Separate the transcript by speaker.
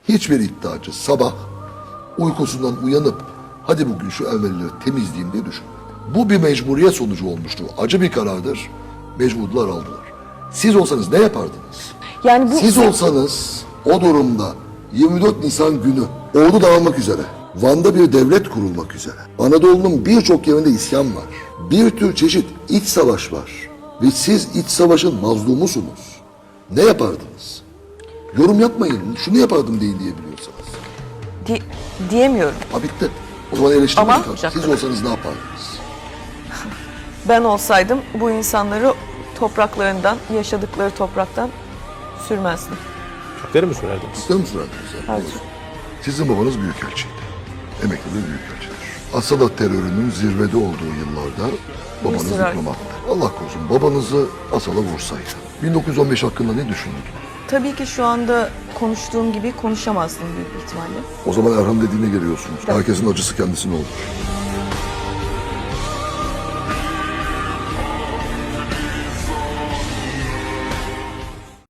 Speaker 1: Hiçbir iddiacı sabah uykusundan uyanıp hadi bugün şu Ermenileri temizleyeyim diye düşünmedi. Bu bir mecburiyet sonucu olmuştu. Acı bir karardır. Mecburdular, aldılar. Siz olsanız ne yapardınız?
Speaker 2: Yani bu
Speaker 1: Siz olsanız o durumda 24 Nisan günü ordu dağılmak üzere, Van'da bir devlet kurulmak üzere, Anadolu'nun birçok yerinde isyan var. Bir tür çeşit iç savaş var. Ve siz iç savaşın mazlumusunuz. Ne yapardınız? Yorum yapmayın. Şunu yapardım deyin diyebiliyorsanız.
Speaker 2: diyemiyorum.
Speaker 1: Ha bitti. O zaman eleştirmeyin.
Speaker 2: Ama-
Speaker 1: Siz olsanız ne yapardınız?
Speaker 2: Ben olsaydım bu insanları topraklarından, yaşadıkları topraktan sürmezdim.
Speaker 3: Türkleri mi sürerdiniz?
Speaker 1: Sizler mi sorardınız?
Speaker 2: Hayır.
Speaker 1: Sizin babanız büyükelçiydi. Emekli bir büyükelçidir. Asala terörünün zirvede olduğu yıllarda babanız
Speaker 2: Mısır-
Speaker 1: diplomattı. Allah korusun babanızı Asal'a vursaydı. 1915 hakkında ne düşünürdün?
Speaker 2: Tabii ki şu anda konuştuğum gibi konuşamazdım büyük ihtimalle.
Speaker 1: O zaman Erhan dediğine geliyorsunuz. Herkesin acısı kendisine olur.